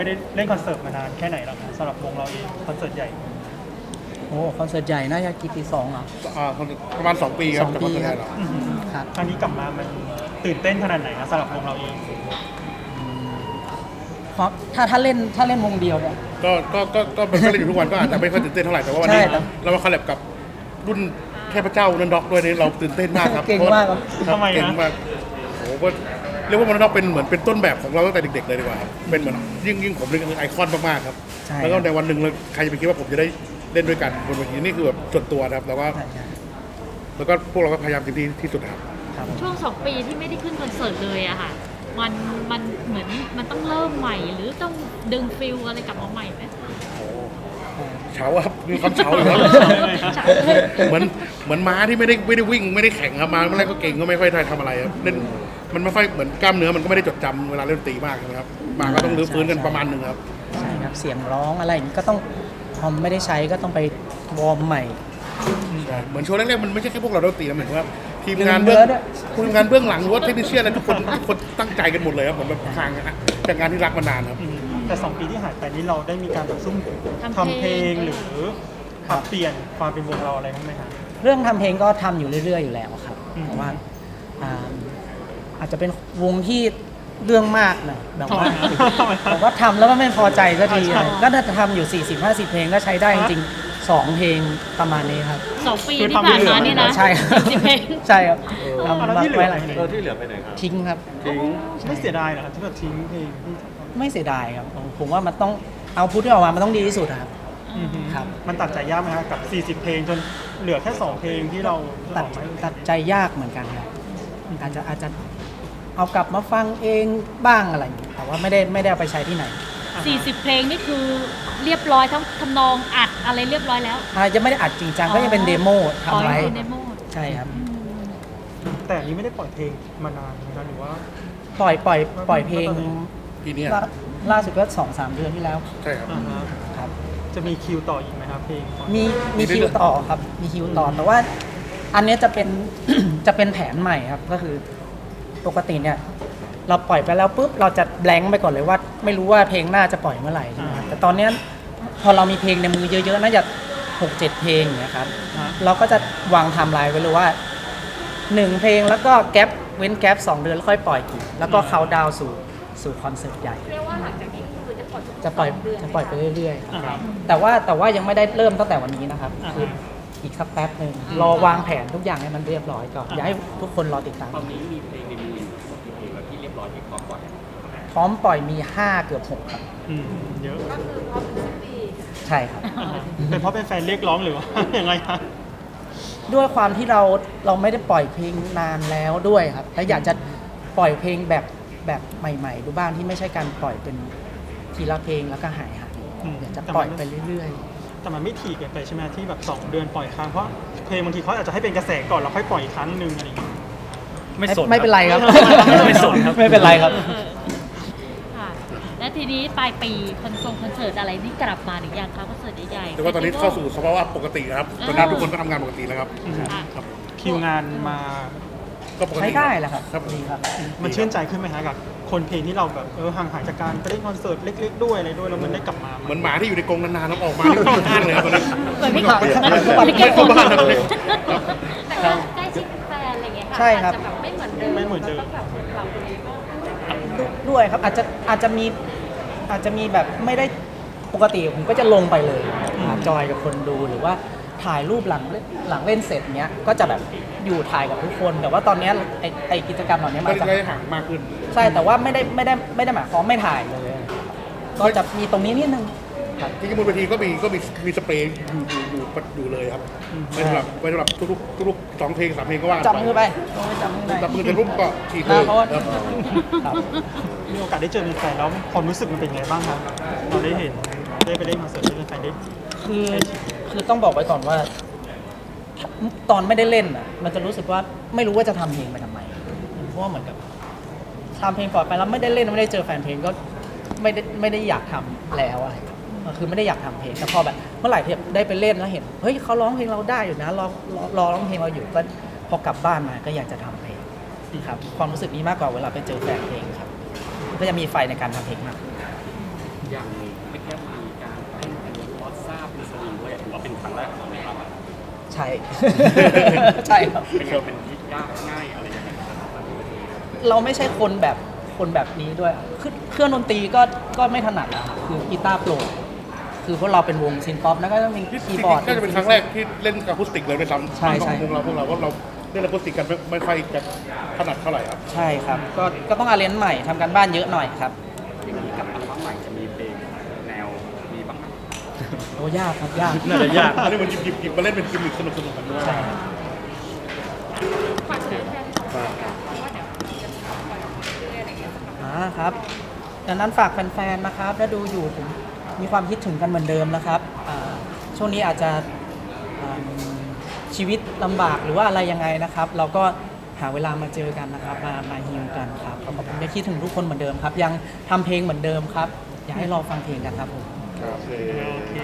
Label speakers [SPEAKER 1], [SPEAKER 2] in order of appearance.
[SPEAKER 1] ไม่ได้เล่นคอนเสิร์ตมานานแค่ไหนแล้วครับสำหรับวงเราเองคอนเสิร์ตใหญ่
[SPEAKER 2] โอ้คอนเสิร์ตใหญ่น่าจะกี่ปี2อ่ะ
[SPEAKER 3] ประมาณ2 ปีครับ
[SPEAKER 2] 2 ปี
[SPEAKER 3] จากคอนเสิร์ต
[SPEAKER 2] ครับ
[SPEAKER 3] เรา
[SPEAKER 2] ครับ
[SPEAKER 1] ครั้งนี้กลับมามันตื่นเต้นขนาดไหนครับสำหรับวงเราเอง
[SPEAKER 2] เพราะถ้าเล่นวงเดียวเนี่ย
[SPEAKER 3] ก็เป็นเล่นอยู่ทุกวันก็อาจจะไม่ค่อยตื่นเต้นเท่าไหร่แต่ว่าวันนี้
[SPEAKER 2] ใช่ครับ
[SPEAKER 3] เรามาคอลแลบกับรุ่นเทพเจ้านันด็อกด้วยนี่เราตื่นเต้นมากครับ
[SPEAKER 2] เก่งมากครับ
[SPEAKER 1] ทำไม
[SPEAKER 3] เก่ง
[SPEAKER 1] นะ
[SPEAKER 3] มากโอ้โหก็เรียกว่านันด็อกเป็นเหมือนเป็นต้นแบบของเราตั้งแต่เด็กๆเลยดีกว่าครับเป็นเหมือนยิ่งผมเป็นไอคอนมากๆครับ
[SPEAKER 2] ใช่
[SPEAKER 3] แล้วก็ในวันหนึ่งใครจะไปคิดว่าผมจะได้เล่นด้วยกันบนเวทีนี่คือแบบส่วนตัวนะครับแล้วก็พวกเราก็พยายามเต็มที่ที่สุดครับ
[SPEAKER 2] ครับผม
[SPEAKER 4] ช่วง2 ปีที่ไม่ได้ขึ้นคอนเสิร์ตเลยอะค่ะมันเหมือนมันต้องเริ่มใหม่หรือต้องดึงฟิลอะไรกลับมาใหม่ไหม
[SPEAKER 3] เฉาครับมีความเฉาอยู่ครับ เหมือนม้าที่ไม่ได้วิ่งไม่ได้แข่งครับมาเมื่อไรก็เก่งก็ไม่ค่อยทำอะไรครับเล่นมันไม่ค่อยเหมือนกล้ามเนื้อมันก็ไม่ได้จดจำเวลาเล่นดนตรีมากนะครับมาก็ต้องรื้อฟื้นกันประมาณหนึ่งครับ
[SPEAKER 2] ใช่ครับเสียงร้องอะไรอย่างนี้ก็ต้องพอไม่ได้ใช้ก็ต้องไปวอร์มใหม่
[SPEAKER 3] เหมือนโชว์แรกๆมันไม่ใช่แค่พวกเราดนตรีนะเหมือนว่าทีมงาน
[SPEAKER 2] เนื้
[SPEAKER 3] เบื้อ
[SPEAKER 2] อง ด้วย
[SPEAKER 3] ทีมงานเบื้องหลังหรือว่าเทคนิคเชียนอะไรทุกคนตั้งใจกันหมดเลยครับผมแบบทางจากงานที่รักมานานครับ
[SPEAKER 1] แต่2 ปีที่หายไปนี้เราได้มีการแบบซุ่มทำเพลงหรือปรับเปลี่ยนความเป็นวงเราอะไรบ้างไหมครับ
[SPEAKER 2] เรื่องทำเพลงก็ทำอยู่เรื่อยๆอยู่แล้วครับ
[SPEAKER 1] อืม
[SPEAKER 2] แต่ว่าอาจจะเป็นวงที่เรื่องมากหน่อยแบบว่าผมว่าทำแล้วก็ไม่พอใจสักทีอะไรก็น่าจะทำอยู่ 40-50 เพลงก็ใช้ได้จริงๆ2 เพลงประมาณนี้ครับ
[SPEAKER 4] 2 ปีที่ผ่านมานี่นะ
[SPEAKER 2] ใช่ครับ
[SPEAKER 4] 10 เพลง
[SPEAKER 2] ใช่ครับ
[SPEAKER 1] แล้ว
[SPEAKER 2] ทำ
[SPEAKER 1] ที่เหลือ
[SPEAKER 2] ไว้หลายเพลง
[SPEAKER 5] ที่เหลือไปไหนครับ
[SPEAKER 2] ทิ้งครับ
[SPEAKER 1] ไม่เสียดายเหรอครับที่แบบทิ้งเพลงที่
[SPEAKER 2] ไม่เสียดายครับผมว่ามันต้องเอาพุทที่ออกมามันต้องดีที่สุดอะครับ ครับ
[SPEAKER 1] มันตัดใจยากไหมครับกับ 40 เพลงจนเหลือแค่ 2 เพลงที่เรา
[SPEAKER 2] ตัดใจยากเหมือนกันครับอาจจะเอากลับมาฟังเองบ้างอะไรอย่างเงี้ยแต่ว่าไม่ได้เอาไปใช้ที่ไหน
[SPEAKER 4] 40 เพลงนี่คือเรียบร้อยทั้งทำนองอัดอะไรเรียบร้อยแล้ว
[SPEAKER 2] ยังไม่ได้อัดจริงจังก็ยังเป็นเดโมทำไว้
[SPEAKER 4] อ๋อเป็นเดโม
[SPEAKER 2] ใช่ครับ
[SPEAKER 1] แต่อันนี้ไม่ได้ปล่อยเพลงมานานนะครับหรือว่า
[SPEAKER 2] ปล่อยเพลง
[SPEAKER 3] ปีนี้
[SPEAKER 2] ล่าสุดก็2-3 เดือนที่แล้ว
[SPEAKER 3] ใช่ครับ
[SPEAKER 1] อ่าฮะ
[SPEAKER 2] ครับ
[SPEAKER 1] จะมีคิวต่ออีกไหมครับเพลง
[SPEAKER 2] มีคิวต่อครับมีคิวต่อแต่ว่าอันเนี้ยจะเป็น จะเป็นแผนใหม่ครับก็คือปกติเนี่ยเราปล่อยไปแล้วปุ๊บเราจะแบงค์ไปก่อนเลยว่า ไม่รู้ว่าเพลงหน้าจะปล่อยเมื่อไหร่ใช่ไหมครับแต่ตอนเนี้ยพอเรามีเพลงในมือเยอะๆน่าจะ6-7 เพลงอย่างเงี้ยครับ เราก็จะวางไทม์ไลน์ไว้เลยว่า1 เพลงแล้วก็แก๊ปเว้นแก๊ป2 เดือนแล้วค่อยปล่อยอีกแล้วก็เขาดาวน์สู่คอนเสิร์ตใหญ่
[SPEAKER 4] เรียกว่าหลังจากนี้คือจะปล่อย
[SPEAKER 2] จะปล่อยไปเรื่อยๆครับแต่ว่ายังไม่ได้เริ่มตั้งแต่วันนี้นะครับคืออีกสักแป๊บหนึ่งรอวางแผนทุกอย่างให้มันเรียบร้อยก่อนอยากให้ทุกคนรอติดตาม
[SPEAKER 5] ตอนนี้มีเพลงในมือกี่เพลงแล้วที่เรียบร้อยที่พร้อมปล่อย
[SPEAKER 2] พร้อมปล่อยมี5เกือบ6ครับ
[SPEAKER 1] เยอะ
[SPEAKER 2] ใช่ครับ
[SPEAKER 1] เป็นเพราะเป็นแฟนเรียกร้องหรือว่า ยังไงครับ
[SPEAKER 2] ด้วยความที่เราไม่ได้ปล่อยเพลงนานแล้วด้วยครับและอยากจะปล่อยเพลงแบบใหม่ๆดูบ้างที่ไม่ใช่การปล่อยเป็นทีละเพลงแล้วก็หาย
[SPEAKER 1] อืม
[SPEAKER 2] อยากจะปล่อยไปเรื่อย
[SPEAKER 1] แต่มันไม่ถี่เกินไปใช่ไหมที่แบบ2 เดือนปล่อยครั้งเพราะเพลงบางทีเขาอาจจะให้เป็นกระแสก่อนแล้วค่อยปล่อยอีกครั้งหนึ่งอะไรอย่างเงี้ย
[SPEAKER 2] ๆ
[SPEAKER 5] ไม่สน
[SPEAKER 2] ไม่เป็นไรครับ
[SPEAKER 5] ไม่สนครับ
[SPEAKER 2] ไม่เป็นไรครับ
[SPEAKER 4] ค่ะและทีนี้ปลายปีคอนเสิร์ตอะไรนี่กลับมาหรือยังคะคอนเสิร์ตใหญ่ๆ
[SPEAKER 3] แต่ว่าตอนนี้เข้าสู่สภาวะปกตินะครับตอนนี้ทุกคนก็ทำงานปกติแล้วครับ
[SPEAKER 4] ค่ะ
[SPEAKER 1] คิวงานมา
[SPEAKER 3] ก็ปกติ
[SPEAKER 2] ใช้ได้แหละครับ
[SPEAKER 3] ครับ
[SPEAKER 2] ดีครับ
[SPEAKER 1] มันชื่นใจขึ้นไหมฮะกับคนเพลงที่เราแบบห่างหายจากการไปเล่นคอนเสิร์ตเล็กๆด้วยอะไรด้วยแล้วมันได้กลับมา
[SPEAKER 3] เหมือนหมาที่อยู่ในกรงนานๆแล้วออกมาที่ข้างเลยครับตอนนี้
[SPEAKER 4] เหมือนไม่
[SPEAKER 3] กลับ
[SPEAKER 4] ไม่เก็บ
[SPEAKER 3] เข้าบ้านครับ
[SPEAKER 4] แต่ก็ใกล้ชิดแฟนอะไรเงี้ยค่ะ
[SPEAKER 2] ใช่ครับ
[SPEAKER 4] อาจจะแบบไม่เหมือนเดิม
[SPEAKER 1] ไม่เหมือนเดิม
[SPEAKER 4] แล้วก็แบบปรับตัวเองก็
[SPEAKER 2] ด้วยครับอาจจะมีแบบไม่ได้ปกติผมก็จะลงไปเลยจอยกับคนดูหรือว่าถ่ายรูปหลังเล่นเสร็จเนี้ยก็จะแบบอยู่ถ่ายกับทุกคน แต่ว่าตอนเนี้ยไอกิจกรรมเหล่านี้
[SPEAKER 3] ก็
[SPEAKER 2] มันจะ
[SPEAKER 3] ได้ห่างมากขึ้น
[SPEAKER 2] ใช่แต่ว่าไม่ได้หมายความไม่ถ่ายเลย ก็จะมีตรงนี้นิดนึงครับ
[SPEAKER 3] ที่บนเวทีก็มีสเปรย์อยู่เลยครับไว้สำหรับทุกๆ2 เพลง 3 เพลงก็ว่า
[SPEAKER 2] จับมือไปจับมือไป
[SPEAKER 3] จับมือกันปุ๊บก็ฉีดเลย
[SPEAKER 2] เพราะว่า
[SPEAKER 3] ครับ
[SPEAKER 2] ครับ
[SPEAKER 1] มีโอกาสได้เจอแฟนแล้วความรู้สึกมันเป็นไงบ้างครับเราได้เห็นได้ไปเล่นคอนเสิร์ตได้แฟนได้
[SPEAKER 2] คือต้องบอกไว้ก่อนว่า ตอนไม่ได้เล่นอ่ะ มันจะรู้สึกว่าไม่รู้ว่าจะทำเพลงไปทำไมเพราะว่าเหมือนกับทำเพลงก่อนไปแล้วไม่ได้เล่นไม่ได้เจอแฟนเพลงก็ไม่ได้อยากทำแล้วอะไรคือไม่ได้อยากทำเพลงแต่พอแบบเมื่อไหร่ที่ได้ไปเล่นแล้วเห็นเฮ้ยเขาร้องเพลงเราได้อยู่นะรอร้องเพลงเราอยู่ก็พอกลับบ้านมาก็อยากจะทำเพลงครับความรู้สึกนี้มากกว่าเวลาไปเจอแฟนเพลงครับก็จะมีไฟในการทำเพลงมาก
[SPEAKER 5] อย่างไม่แค่มีการเต้นเป็นวอตซ่าเป็นสวิงด้วยถือว่าเป็นครั้งแรกของเราครับ
[SPEAKER 2] ใช่ ใช่ครับ
[SPEAKER 5] เป็นที่ยากง่ายอะไรยังไงครับ
[SPEAKER 2] เราไม่ใช่คนแบบนี้ด้วยคือเครื่องดนตรีก็ไม่ถนัดอะครับคือกีตาร์โปร่งคือพวกเราเป็นวงซินป๊อปแล้วก็ต้องมีคีย์บอร์ด
[SPEAKER 3] ก็จะเป็นครั้งแรกที่เล่นอะคูสติกเลยด้วยซ้ำ
[SPEAKER 2] ใช่ใช่
[SPEAKER 3] ของวงเราพวกเราเล่นอะคูสติกกันไม่ค่อยจะถนัดเท่าไหร่ครับ
[SPEAKER 2] ใช่ครับก็ต้องอาเรนจ์ใหม่ทำการบ้านเยอะหน่อยครับ
[SPEAKER 5] อย่างนี้กับอัลบั้มใหม่จะมีเพลงแนวมีบ้างไหม
[SPEAKER 2] โอ้ยากครับยาก
[SPEAKER 1] น่าจะยาก
[SPEAKER 3] อันนี้มันหยิบมาเล่นเป็นกิมมิคสนุกกันด้วย
[SPEAKER 2] ใช่ครับ
[SPEAKER 4] ฝากถึงแฟนๆว่าเดี๋ยวจะปล่อยออกมาเรื่อยๆอะไรอย่างเงี้ย
[SPEAKER 2] ครับดังนั้นฝากแฟนๆนะครับถ้าดูอยู่ผมมีความคิดถึงกันเหมือนเดิมนะครับช่วงนี้อาจจะชีวิตลำบากหรือว่าอะไรยังไงนะครับ เราก็หาเวลามาเจอกันนะครับมาฮิวกันครับขอบคุณที่คิดถึงทุกคนเหมือนเดิมครับ ยังทำเพลงเหมือนเดิมครับ อยากให้รอฟังเพลงกันครับผม
[SPEAKER 3] ครับ